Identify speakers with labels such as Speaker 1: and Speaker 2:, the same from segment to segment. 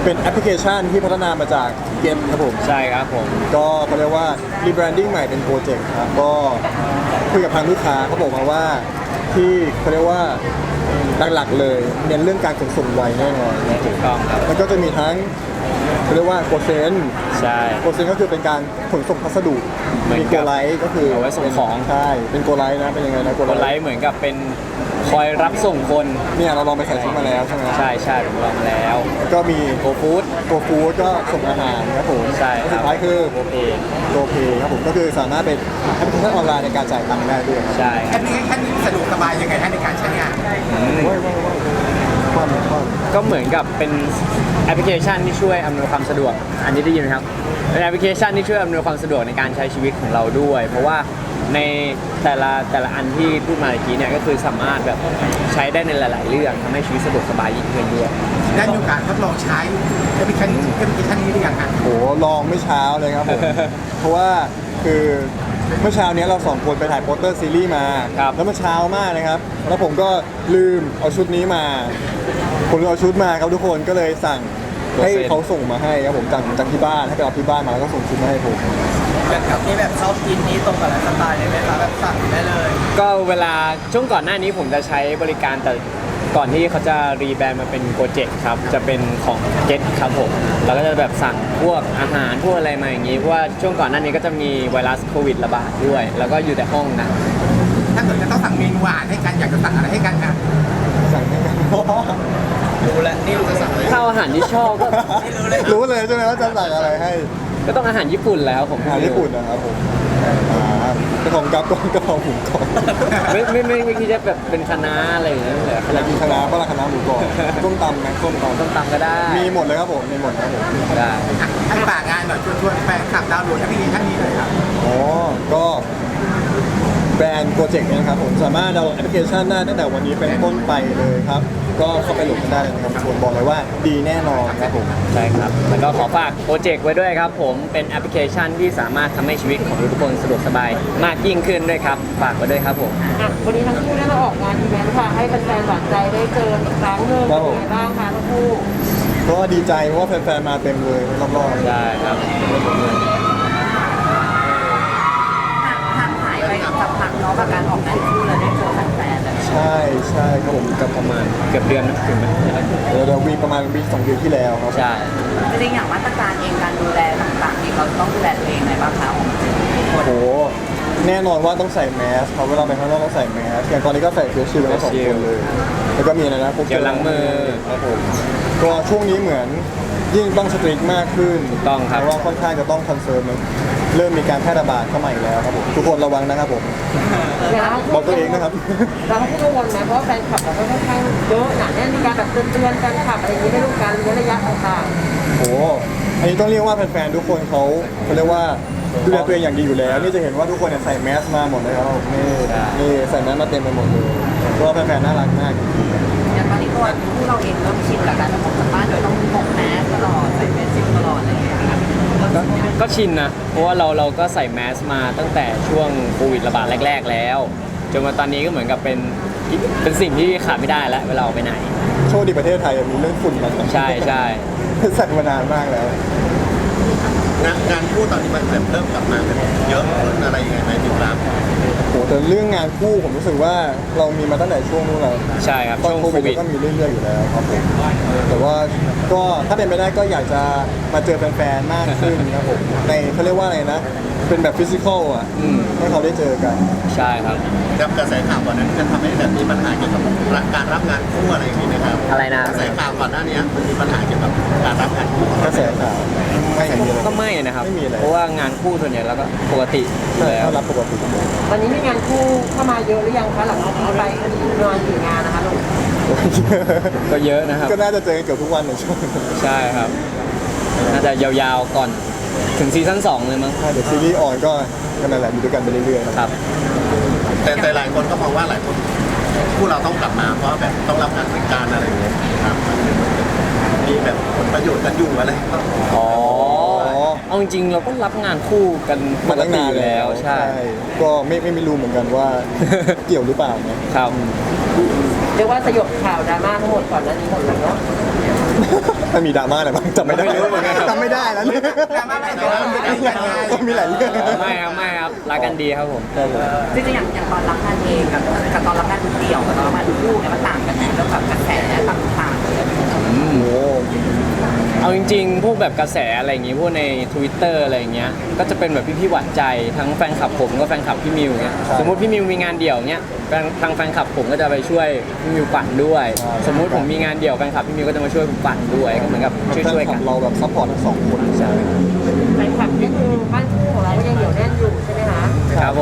Speaker 1: เป็นแอปพลิเคชันที่พัฒนามาจากเกมครับผม
Speaker 2: ใช่ครับผม
Speaker 1: ก็เขาเรียกว่า rebranding ใหม่เป็นโปรเจกต์ครับก็คุยกับทางลูกค้าเขาบอกมาว่าที่เขาเรียกว่าหลักๆเลยเน้นเรื่องการขนส่งไวแน่นอนนะค
Speaker 2: ถู
Speaker 1: รับ
Speaker 2: กต้องครับ
Speaker 1: แล้วก็จะมีทั้งเขาเรียกว่าโกเซน
Speaker 2: ใช่
Speaker 1: โกเซนก็คือเป็นการขนส่งพัสดุ
Speaker 2: เหมือน
Speaker 1: มี
Speaker 2: กับ
Speaker 1: โกไลท์ก็คือ
Speaker 2: เอาไว้ส่งของ
Speaker 1: ใช่เป็นโกไลท์นะเป็นยังไงนะโก
Speaker 2: คน
Speaker 1: ไล
Speaker 2: ไล
Speaker 1: ท์
Speaker 2: ฟ์เหมือนกับเป็นคอยรับส่งคน
Speaker 1: เนี่ยเราลองไปใส่ชุดมาแล้วใช่ไหม
Speaker 2: ใช่ใช่ผมลองมาแล้ว
Speaker 1: แล้วก็มี
Speaker 2: โกฟู้ด
Speaker 1: โกฟู้ดก็ส่งอาหารครับผม
Speaker 2: ใช่ค
Speaker 1: สุ
Speaker 2: รับ
Speaker 1: ดท้ายคือ
Speaker 2: โอเค
Speaker 1: โกเพย์ครับผมก็คือสามารถเป็นแอปพลิเคชันออนไลน์ในการจ่ายตังค์ได้ด้วยครับ
Speaker 2: ใช่ค
Speaker 3: แอ
Speaker 2: รับ
Speaker 3: ปพลิเคชันนี้สะดวกสบายยังไงฮะในการใช้งาน
Speaker 1: ว้าวความ
Speaker 2: ก็เหมือนกับเป็นแอปพลิเคชันที่ช่วยอำนวยความสะดวก อันนี้ได้ยินไหมครับเป็นแอปพลิเคชันที่ช่วยอำนวยความสะดวกในการใช้ชีวิตของเราด้วย เพราะว่าในแต่ละอันที่พูดมาเมื่อกี้เนี่ยก็คือสามารถแบบใช้ได้ในหลาย ๆ เรื่องทำให้ชีวิตสะดวกสบายยิ่งขึ้นด้วย
Speaker 3: ได้มีโอกาสทดลองใช้แอปพลิเคชันนี้หรือยังฮะ
Speaker 1: โหลองไม่เช้าเลยครับผม เพราะว่าคือเมื่อเช้านี้เราสองคนไปถ่ายโปสเตอร์ซีรีส์มา
Speaker 2: ครับ
Speaker 1: แล้วมันเช้ามากนะครับ แล้วผมก็ลืมเอาชุดนี้มา ผมลืมเอาชุดมาครับทุกคนก็เลยสั่งให้เขาส่งมาให้ครับผมจากที่บ้านให้ไปเอาที่บ้านมาแล้วก็ส่งชุดมาให้ผม
Speaker 4: แบบนี้แบบชอบกินนี้ตรงกับไลฟ์สไตล์เลยไหมคะแบบสั่งได้เลย
Speaker 2: ก็เวลาช่วงก่อนหน้านี้ผมจะใช้บริการแต่ก่อนที่เขาจะรีแบรนด์มาเป็นโปรเจกต์ครับจะเป็นของ Get ครับผมเราก็จะแบบสั่งพวกอาหารพวกอะไรมาอย่างนี้เพราะว่าช่วงก่อนหน้านี้ก็จะมีไวรัสโควิดระบาดด้วย แล้วก็อยู่แต่ห้องนะ
Speaker 3: ถ้าเกิดจะต้องสั่งเมนูอาหารให้กันอยากจะสั่งอะไรให้กันฮะ
Speaker 1: สั่งให้กัน
Speaker 4: รู้แล้วนี่รู้จะสั่งเลย
Speaker 2: ถ้าอาหารที่ชอบก็
Speaker 1: รู้เลยใช่ไหมว่าจะสั่งอะไรให้
Speaker 2: ก็ต้องอาหารญี่ปุ่นแล้วผม
Speaker 1: อาหารญี่ปุ่นนะครับผมกระเพรากับกระเพราหมูกรอบ
Speaker 2: ไม่คิดจะแบบเป็นคณะน้าอะไรอย่างเงี้ยเลย
Speaker 1: อยากกินคณะน้าปลาคณะน้าหมูกรอบต้มตำไหมต้มตำ
Speaker 2: ต้มตำก็ได้
Speaker 1: มีหมดเลยครับผมมีหมดครับผม
Speaker 2: ได้
Speaker 3: ให้ฝากงานหน่อยชวนแฟนคลับดาวน์โหลดแอปพลิเคชันนี้เลยครับ
Speaker 1: อ๋อก็แบรนด์โปรเจกต์นะครับผมสามารถดาวน์โหลดแอปพลิเคชันได้ตั้งแต่วันนี้เป็นต้นไปเลยครับ ก็เข้าไปโหลดกันได้เลยนะครับชวนบอกเลยว่าดีแน่นอนครับผม
Speaker 2: ใช่ครับแล้วก็ขอฝากโปรเจกต์ไว้ด้วยครับผมเป็นแอปพลิเคชันที่สามารถทำให้ชีวิตของทุกคนสะดวกสบายมากยิ่งขึ้นด้วยครับฝากไว้ด้วยครับผม
Speaker 5: อ่ะวันนี้ทั้งคู่ได้มาออกงานอีเวนต์ค่ะให้แฟนๆหวานใจได้เจออีกครั้งหนึ่งเป็นยังไงบ้างคะทั้งคู่
Speaker 1: ก็ดีใจเพราะว่าแฟนๆมาเต็มเลยรอบๆ
Speaker 2: ใช่ครับ
Speaker 5: ห่างหายไปสักพักเนาะกับการออกงานคู่แล้วได้เจอแฟนๆเลย
Speaker 1: ใช่ใช่ครับผม
Speaker 2: ก็ประมาณเกือบเดือนนะถึงไหม
Speaker 1: เราวีประมาณวีสองเดือนที่แล้วครับ
Speaker 2: ใช่
Speaker 5: จริงๆอย่างมาตรการเองการดูแลต่างๆเองเราต้องดูแลตัวเองไงบ้างคะ
Speaker 1: โอ้โหแน่นอนว่าต้องใส่แมสครับเวลาไปข้างนอกต้องใส่แมสอย่างตอนนี้ก็ใส่เฟสชิลด์ทั้งสองคนเลยแล้วก็มีอะไรนะพวก
Speaker 2: เจลล้างมือ
Speaker 1: ครับผมก็ช่วงนี้เหมือนยิ่งต้องสตริกมากขึ้น
Speaker 2: ถูกต้องครับ
Speaker 1: เพราะว่าค่อนข้างจะต้องคอนเซิร์นเริ่มมีการแพร่ระบาดเข้ามาอีกแล้วครับผมทุกคนระวังนะครับผม บอกตัวเองนะครับ
Speaker 5: เราต้องกังวลไหมเพราะว่าแฟนคลับเราก็ค่อนข้างเยอะหนาแน่นมีการแบบเตือนๆแฟนคลับอะไรอย่างนี้ไม่รู้การเว้นระยะต่าง
Speaker 1: โอ้โหอันนี้ต้องเรียกว่าแฟนๆทุกคนเขาเรียกว่าดูแลตัวเองอย่างดีอยู่แล้ว นี่จะเห็นว่าทุกคนเนี่ยใส่แมสมาหมดเลยครับนี่ใส่แมสมาเต็มไปหมดเลยก็แฟนๆน่ารักมาก
Speaker 5: ๆอย่างตอนนี้ตัวผู้เราเองเริ่มชินกับการออกจากบ้านโดยต้องพกแมสตลอดใส่แมสชิลตลอดอะไรอย่างเงี้ยค่ะ
Speaker 2: ก็ชินนะ เพราะว่าเราก็ใส่แมสมาตั้งแต่ช่วงโควิดระบาดแรก ๆ แล้ว จนมาตอนนี้ก็เหมือนกับเป็นสิ่งที่ขาดไม่ได้แล้วเวลาออกไปไหน
Speaker 1: โชคดีประเทศไทยมีเรื่องฝุ่นมา
Speaker 2: ใช่ใช่
Speaker 1: ใส่มานานมากแล้ว
Speaker 6: งานคู่ตอนนี้มันเริ่มกลับมาเป็นเยอะขึ้นอะไรยังไงไหมติดตาม
Speaker 1: โหแต่เรื่องงานคู่ผมรู้สึกว่าเรามีมาตั้งแต่ช่วงนู้นแล้ว
Speaker 2: ใช่ครับ
Speaker 1: ตอน
Speaker 2: ช่วง
Speaker 1: โค
Speaker 2: โค
Speaker 1: วิด
Speaker 2: วิด
Speaker 1: ก็มีเรื่อยๆอยู่แล้วครับผมแต่ว่าก็ถ้าเป็นไปได้ก็อยากจะมาเจอแฟนๆมากขึ้นครับผมในเขาเรียกว่าอะไรนะ เป็นแบบฟิสิกอลอ่ะ
Speaker 2: อืม
Speaker 1: ให้เขาได้เจอกัน
Speaker 2: ใช่ครับ
Speaker 6: กับกระแสข่าวก่อนนั้นจะทำให้แบบมีปัญหาเกี่ยวกับการรับงานคู่อะไรอย่างนี้นะครับ
Speaker 2: อะไรนะ
Speaker 6: กระแสข่าวก่อนหน้านี้มันมีปัญหาเกี่ยวกับการรับงานคู่
Speaker 1: กระแสข่าวไม่เห็นมีเลย
Speaker 2: ก็ไม่นะครับ
Speaker 1: ไม่มีอะไร
Speaker 2: เพราะว่างานคู่ส่วนใหญ่แล้วก็ปกติอยู่
Speaker 1: ใช่
Speaker 2: แล้ว
Speaker 1: ถ้ารับปกติ
Speaker 5: ตอนนี้มีงานคู่เข้ามาเยอะหรือยังคะหลังจากนี้ไปประมาณกี่งานนะคะลูก
Speaker 2: ก็เยอะนะครับ
Speaker 1: ก็น่าจะเจอกันเกือบทุกวันในช่วง
Speaker 2: ใช่ครับ น่าจะยาวๆก่อนถึงซีซั่น2เลยมั้ง
Speaker 1: เดี๋ยวซีรีส์ออนก็นั่นแหละอยู่ด้วยกันไปเรื่อยๆนะครับ
Speaker 6: แต่หลายคนก็มองว่าหลายคนคู่เราต้องกลับมาเพราะแบบต้องรับงานเหมือนกันอะไรอย่างเงี้ยครับมีแบบผลประโยชน์กันอยู่อะไรก็
Speaker 2: อ๋อ เอาจริงๆเราก็รับงานคู่กันป
Speaker 1: มาก ตั้ง
Speaker 2: ติ
Speaker 1: นาน
Speaker 2: อยู่
Speaker 1: แล้
Speaker 2: แล้ว ว ใช่
Speaker 1: ก็ไม่รู้เหมือนกันว่า เกี่ยวหรือเปล่านะครับ
Speaker 5: เรียกว่าสยบข่าวดราม่าทั้งหมดก่อนหน้านี้หมดเลยเนาะ
Speaker 1: มันมีดราม่าอะไรบ้างจำไม่ได้
Speaker 2: ไม่รู้เหมือนกันครับ
Speaker 1: จำไม่ได้แล้วเนี่ย
Speaker 3: ดราม่าอะไรแต่ว่ามันเป็นการงาน
Speaker 1: มีหลายเรื่อง
Speaker 2: ไม่ครับรักกันดีครับผม
Speaker 1: ครับผม
Speaker 4: จริงๆอย่างตอนรับงานเองกับตอนรับงานเดี่ยวกับตอนรับงานคู่เนี่ยมันต่างกันไหมแล้วแบบกระแสต่างๆเลย
Speaker 1: โอ้โห
Speaker 2: เอาจริงๆ พวกแบบกระแสอะไรอย่างงี้พวกใน Twitter อะไรอย่างเงี้ยก็จะเป็นแบบพี่ๆหวานใจทั้งแฟนคลับผมก็แฟนคลับพี่มิวเงี้ยสมมติพี่มิวมีงานเดี่ยวเงี้ยทางแฟนคลับผมก็จะไปช่วยพี่มิวปั่นด้วย สมมุติผมมีงานเดี่ยวแฟนคลับพี่มิวก็จะมาช่วยผมปั่นด้วยก็เหมือนกับช่วยๆกัน
Speaker 1: เราแบบซัพพอร์ตทั้งสองคน
Speaker 2: ใช่
Speaker 5: แฟนคลับนี่คือบ้านคู่ของเราก็ยังเหนียวแน่นอยู่ใช่ไหมคะ
Speaker 2: ครับผม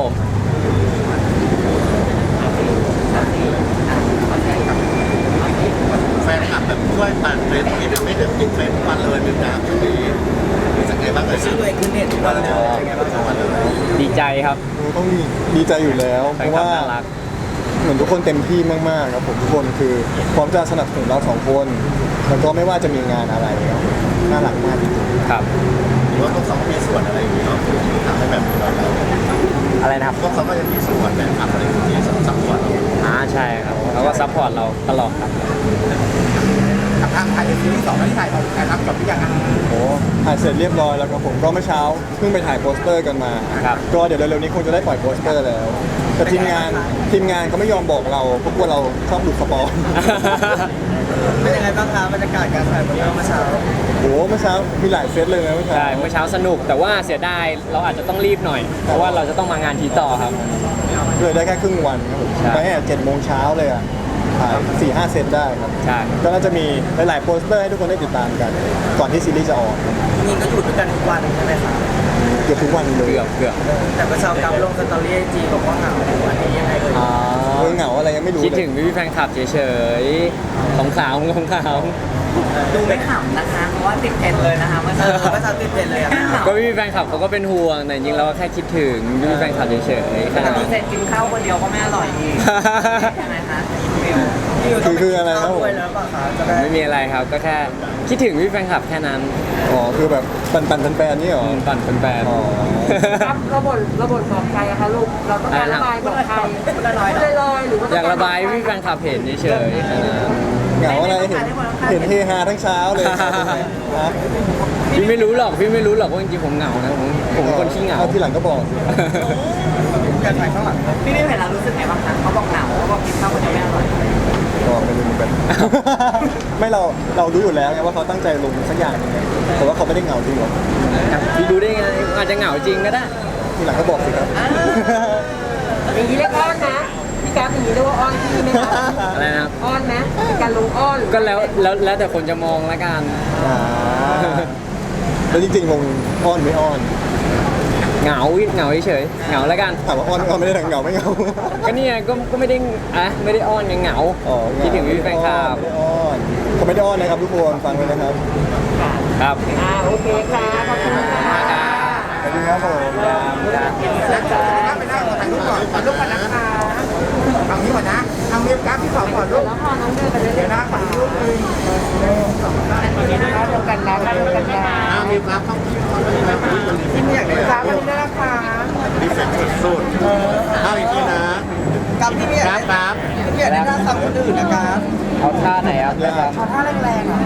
Speaker 6: แฟนคลับแบบช่วยปั่นเทรนด์ที่ไม่ได้ติดเทรนด์ทุกวันเลยเป็นการช่วงนี้รู้สึกไงบ้างเลย
Speaker 4: ชื่อตัวเองขึ้นเน็ตทุกวันเลยเป็นไงบ้างครับ
Speaker 2: ดีใจครับ
Speaker 1: ต้องดีใจอยู่แล้ว
Speaker 2: แฟ
Speaker 1: เพ
Speaker 2: น
Speaker 1: ราะ
Speaker 2: คลับ
Speaker 1: ว่า
Speaker 2: น่ารัก
Speaker 1: เหมือนทุกคนเต็มที่มากๆครับผมทุกคนคือพร้อมจะสนับสนุนเราสองคนแล้วก็ไม่ว่าจะมีงานอะไรครับน่ารักมากจริง
Speaker 2: ครับ
Speaker 6: หรือว่าพวกเขามีส่วนอะไรอย่างนี้เนาะทำให้แบบเรา
Speaker 2: อะไรนะครับ
Speaker 6: พวกเขาก็จะมีส่วนแบบทำอะไรที่ซัพพอร์ตเรา
Speaker 2: ใช่ครับเขาก็ซัพพอร์ตเราตลอดครับ
Speaker 3: กับทางไทยซีรีส์2ที่ถ่ายทำจบหรือยังอ่ะ
Speaker 1: ๆโอ้ถ่ายเสร็จเรียบร้อยแล้วครับผมก็เมื่อเช้าเพิ่งไปถ่ายโปสเตอร์กันมา
Speaker 2: ครับ
Speaker 1: ก็เดี๋ยวเร็วๆนี้คงจะได้ปล่อยโปสเตอร์แล้วแต่ทีมงานเขาไม่ยอมบอกเราเพราะกลัวเราชอบหลุดสปอย
Speaker 4: เป็นยังไงบ้างคะบรรยากาศการถ่ายเมื่อเช้า
Speaker 1: โอ้เมื่อเช้ามีหลายเซตเลยนะเมื่อเช้า
Speaker 2: ใช่เมื่อเช้าสนุกแต่ว่าเสียดายเราอาจจะต้องรีบหน่อย เพราะว่าเราจะต้องมางานทีต่อครับ
Speaker 1: เลยได้แค่ครึ่งวันครับผม
Speaker 2: ใช่
Speaker 1: ไปแค่7 โมงเช้าเลยอ่ะถ่าย4-5 เซตได้ครับ
Speaker 2: ใช่
Speaker 1: ก็น่าจะมีหลายๆโปสเตอร์ให้ทุกคนได้ติดตามกัน ก่อนที่ซีรีส์จะออก
Speaker 4: จริงๆก็อยู่ด้วยกันทุกวันใช่ไหมคะ
Speaker 1: เกือบทุกวันเลย
Speaker 2: เกือบ
Speaker 4: แต่เมื่อเช้ากำลงสตอรี่ไอจีบอกว่าเหงาอันนี้ยังไงเอ่ย
Speaker 1: เหงาอะไรยังไม่รู้
Speaker 2: คิด
Speaker 1: เลย
Speaker 2: ถึงพี่ๆแฟนคลับเฉยๆของขาวของขาว
Speaker 4: ดูไม่ขำนะคะเพราะว่าติดเทรนด์เลยนะคะเมื่อเช้าติดเทรนด์เลยอะ
Speaker 2: ก็พี่ๆแฟนคลับเขาก็เป็นห่วงแต่จริงๆเราก็แค่คิดถึงพี่ๆแฟนคลับเฉยๆแค่
Speaker 4: แต่
Speaker 2: นั้น
Speaker 4: ดูเสร็จกินข้าวคนเดียวก็ไม่อร่อยอีกใช่ไหมคะมิว
Speaker 1: คืออะไรครับผม
Speaker 4: ด้วยแล้วเปล่าคะจะได้
Speaker 2: ไม่มีอะไรครับก็แค่คิดถึงพี่ๆแฟนคลับแค่นั้น
Speaker 1: อ๋อคือแบบปันแฟนๆนี่เหรอ
Speaker 2: ปั่นเป็นแฟน
Speaker 1: อ๋อ
Speaker 5: ครับระบบบอกใครอะคะลูกเราต้องการระบายบอกใครพูดลอยๆหรือว่า
Speaker 2: อยากระบายให้พี่ๆแฟนคลับเห็นเฉยๆแค่นั้น
Speaker 1: เหงาอะไรเห็นเฮฮาทั้งเช้าเลยนะ
Speaker 2: พี่ไม่รู้หรอกว่าจริงๆผมเหงานะผมเป็นคนขี้เหงา
Speaker 1: เอาทีหลังก็บอกสิ
Speaker 3: การถ่ายข้างหลัง
Speaker 4: พี่ไม่เห็นเรารู้สึกไงบ้างคะเขาบอกเหงาเขาบอกกินข้าวคนเดียวไม่อร่อย
Speaker 1: ก็ไม่รู้เหมือนกัน ไม่เรารู้อยู่แล้วไงว่าเขาตั้งใจลงสักอย่างหนึงไงแต่ว่าเขาไม่ได้เหงาจริงหรอก
Speaker 2: พี่ดูได้ไงอาจจะเหงาจริงก็ได้
Speaker 1: ทีหลังก็บอกสิครับ
Speaker 5: อย่างนี้เรียกอ้อนนะพี่การอย่างนี้เรียกว่าอ้อนพี่ไหมคะ
Speaker 2: อะไรนะครับ
Speaker 5: อ้อนนะเป็นการลงอ้อนหรือ
Speaker 2: ก็แล้วแต่คนจะมองละกัน
Speaker 1: อ่าแล้วจริงๆคงอ้อนไม่อ้อน
Speaker 2: เหงาเฉยๆเหงาแล้วกัน
Speaker 1: ถามว่าอ้อนไม่อ้อนไม่ได้ทางเหงาไม่เหงา
Speaker 2: ก็เนี่ยก็ไม่ได้ไม่ได้อ้อนยังเหงา
Speaker 1: อ๋อ
Speaker 2: คิดถึงพี่แฟนคลับ
Speaker 1: ไม่ได้อ้อนเขาไม่ได้อ้อนนะครับทุกคนฟังไว้นะครับ
Speaker 2: ครับ
Speaker 5: โอเคค่ะขอบคุณค่ะ
Speaker 1: สวัสดีครับผม
Speaker 3: ไปนั่งถ่ายรูปก่อนถ่ายรูปก่อนนะคะเอานี้ก่อนนะเอาเรียบกราฟที่2ก่อนลูก
Speaker 5: แล้วพอน้องเดินไปเรื่
Speaker 3: เดี๋
Speaker 5: อย
Speaker 3: ยวนะขอรูปหนึง
Speaker 5: ๆเดียวกันนะเดียวกันนะ
Speaker 6: มีกราฟเข้าที่ก่อนเลยนะ
Speaker 3: ที่ไม่อยากได้กราฟวันนี้ได้ราคา
Speaker 6: ดีเฟกต์สุดๆเอาอีกทีนะ
Speaker 4: กับพี่ไม่อยาก
Speaker 6: กราฟ
Speaker 4: พี่อยากได้หน้าซ้ำคนอื่นนะคะ
Speaker 2: เอาท่าไหนครับ
Speaker 3: ขอท่าแรงๆอ่ะ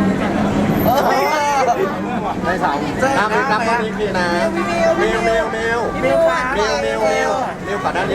Speaker 2: ได้สาม
Speaker 6: กราฟเข้าอีกทีนะเมล
Speaker 3: มิวค่ะ
Speaker 6: เมลก่อนหน้านี้